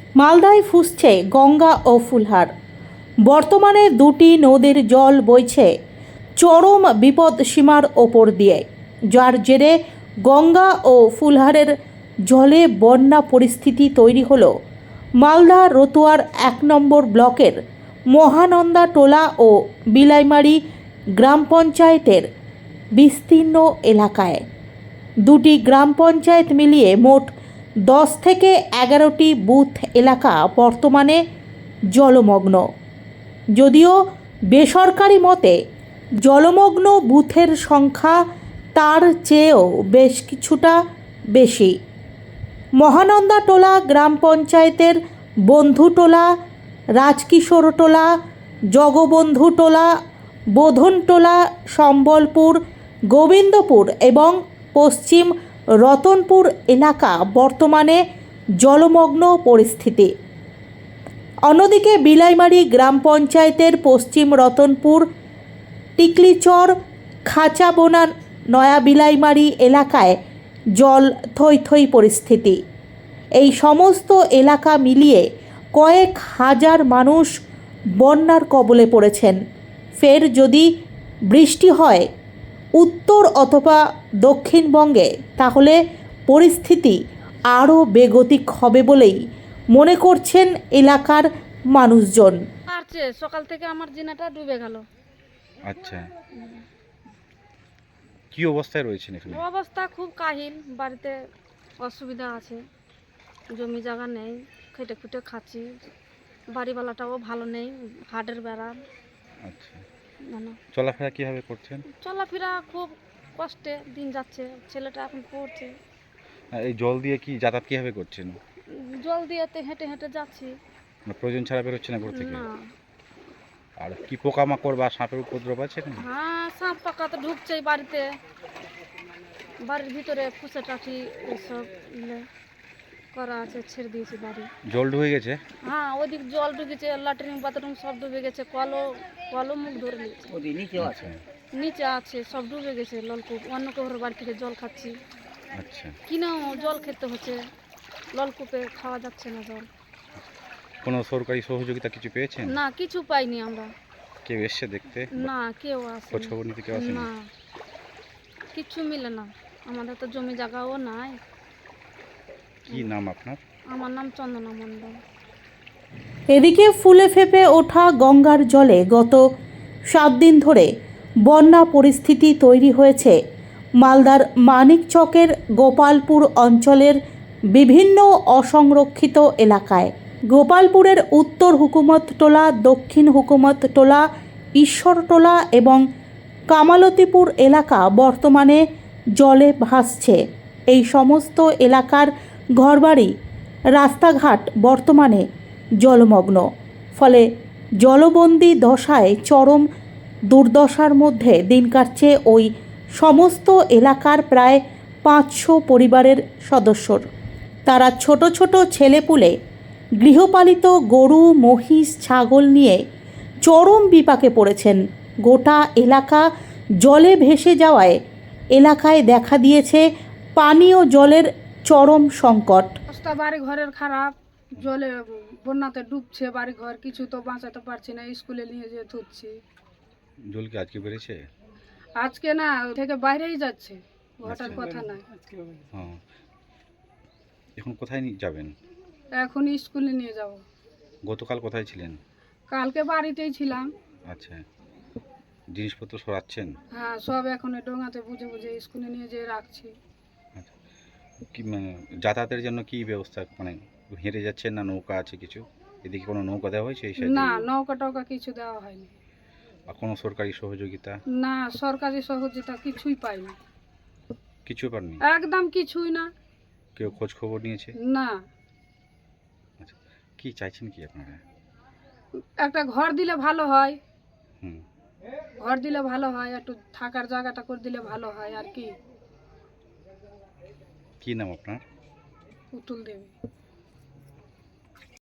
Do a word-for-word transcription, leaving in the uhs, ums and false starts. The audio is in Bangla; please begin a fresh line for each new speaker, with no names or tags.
মালদায় ফুসছে গঙ্গা ও ফুলহার। বর্তমানে দুটি নদীর জল বইছে চরম বিপদসীমার ওপর দিয়ে, যার জেরে গঙ্গা ও ফুলহারের জলে বন্যা পরিস্থিতি তৈরি হলো মালদা রতুয়ার এক নম্বর ব্লকের মহানন্দা টোলা ও বিলাইমারি গ্রাম পঞ্চায়েতের বিস্তীর্ণ এলাকায়। দুটি গ্রাম পঞ্চায়েত মিলিয়ে মোট দশ থেকে এগারোটি বুথ এলাকা বর্তমানে জলমগ্ন। যদিও বেসরকারি মতে জলমগ্ন বুথের সংখ্যা তার চেয়েও বেশ কিছুটা বেশি। মহানন্দা টোলা গ্রাম পঞ্চায়েতের বন্ধুটোলা, রাজকিশোরটোলা, জগবন্ধুটোলা, বোধনটোলা, সম্বলপুর, গোবিন্দপুর এবং পশ্চিম রতনপুর এলাকা বর্তমানে জলমগ্ন পরিস্থিতি। অন্যদিকে বিলাইমারি গ্রাম পঞ্চায়েতের পশ্চিম রতনপুর, টিকলিচর, খাঁচাবোনা, নয়া বিলাইমারি এলাকায় জল থই থই পরিস্থিতি। এই সমস্ত এলাকা মিলিয়ে কয়েক হাজার মানুষ বন্যার কবলে পড়েছেন। ফের যদি বৃষ্টি হয় উত্তর অথবা দক্ষিণবঙ্গে, তাহলে পরিস্থিতি আরও বেগতিক হবে বলেই মনে করছেন এলাকার মানুষজন।
আরছে সকাল থেকে আমার জিনাটা ডুবে গেল।
আচ্ছা, কি অবস্থায় রয়েছেন এখানে?
অবস্থা খুব কাহিল, বাড়িতে অসুবিধা আছে, জমি জায়গা নেই, খেটে খুটে খাচ্ছি, বাড়িওয়ালাটাও ভালো নেই, হাটের বেড়া।
আচ্ছা,
জানো
চলাফেরা কিভাবে করছেন?
চলাফেরা খুব কষ্টে দিন যাচ্ছে, ছেলেটা এখন পড়ছে।
আর এই জল দিয়ে কি যাতায়াত কিভাবে করছেন?
জল দিয়েতে হেঁটে হেঁটে যাচ্ছি।
মানে প্রয়োজন ছাড়া বেরোচ্ছে না ঘর থেকে?
না।
আর কি পোকামাকড় বা সাপের উপদ্রব আছে এখানে?
হ্যাঁ, সাপ পাকা তো ঢুকছেই বাড়িতে, বাড়ির ভিতরে ফুসে টাঠি এসব ইয়ে করা আছে, ছেড়ে দিয়েছি বাড়ি।
জল ঢুকে গেছে?
হ্যাঁ, ওদিক জল ঢুকেছে, ল্যাট্রিন বাথরুম সব ডুবে গেছে, কলও কলও মুখ ধরে নিয়েছে,
আচ্ছা
নিচে আছে সব ডুবে গেছে। নলকূপ অন্য কারোর বাড়ি থেকে জল খাচ্ছি,
আচ্ছা,
কিনেও জল খেতে হচ্ছে, নলকূপে খাওয়া যাচ্ছে না জল।
কোনো সরকারি সহযোগিতা কিছু পেয়েছেন?
না, কিছু পাইনি আমরা।
কেউ এসছে দেখতে?
না, কেউ আসে
খোঁজ খবর নিতে কেউ আসেনি?
না, কিছু মিলে না। আমাদের তো জমি জায়গাও নাই।
কি নাম আপনার?
আমার নাম চন্দনা মণ্ডল।
এদিকে ফুলে ফেপে ওঠা গঙ্গার জলে গত সাত দিন ধরে বন্যা পরিস্থিতি তৈরি হয়েছে মালদার মানিকচকের গোপালপুর অঞ্চলের বিভিন্ন অসংরক্ষিত এলাকায়। গোপালপুরের উত্তর হুকুমতটোলা, দক্ষিণ হুকুমতটোলা, ঈশ্বরটোলা এবং কামালতিপুর এলাকা বর্তমানে জলে ভাসছে। এই সমস্ত এলাকার ঘরবাড়ি, রাস্তাঘাট বর্তমানে জলমগ্ন। ফলে জলবন্দী দশায় চরম দুর্দশার মধ্যে দিন কাটছে ওই সমস্ত এলাকার প্রায় পাঁচশো পরিবারের সদস্যর। তারা ছোট ছোট ছেলেপুলে, গৃহপালিত গরু, মহিষ, ছাগল নিয়ে চরম বিপাকে পড়েছেন। গোটা এলাকা জলে ভেসে যাওয়ায় এলাকায় দেখা দিয়েছে পানীয় জলের চরম সংকট।
অবস্থা বাড়ি ঘরের খারাপ, জলে বন্যাতে ডুবছে বাড়ি ঘর, কিছু তো বাঁচাতে পারছি না, স্কুলে নিয়ে যেয়ে ধুচ্ছি।
জল কি আজকে বেড়েছে?
আজকে না, থেকে বাইরেই যাচ্ছে, ঘটার
আচ্ছা।
কথা নাই।
হ্যাঁ, এখন কোথায় নিয়ে যাবেন?
এখন স্কুলে নিয়ে যাব।
গতকাল কোথায় ছিলেন?
কালকে বাড়িতেই ছিলাম।
আচ্ছা, জিনিসপত্র সরাচ্ছেন?
হ্যাঁ, সব এখন এই ডোঙাতে বুঝে বুঝে স্কুলে নিয়ে যেয়ে রাখছি।
আচ্ছা, কি মানে যাতায়াতের জন্য কি ব্যবস্থা, মানে হেঁটে যাচ্ছেন না নৌকা আছে কিছু? এদিকে কোনো নৌকা দেওয়া হয়েছে এই সাইডে?
না, নৌকা টৌকা কিছু দেওয়া হয়নি।
আর কোনো সরকারি সহযোগিতা?
না, সরকারি সহযোগিতা কিছুই পাইনি,
কিছু পাননি?
একদম কিছুই না।
কেউ খোঁজ খবর নিয়েছে?
না,
আচ্ছা, কি চাইছেন কি আপনারা?
একটা ঘর দিলে ভালো হয়,
হুম,
ঘর দিলে ভালো হয়, একটু থাকার জায়গাটা করে দিলে ভালো হয়। আর কি?
কি নাম আপনার?
পুতুল দেবী।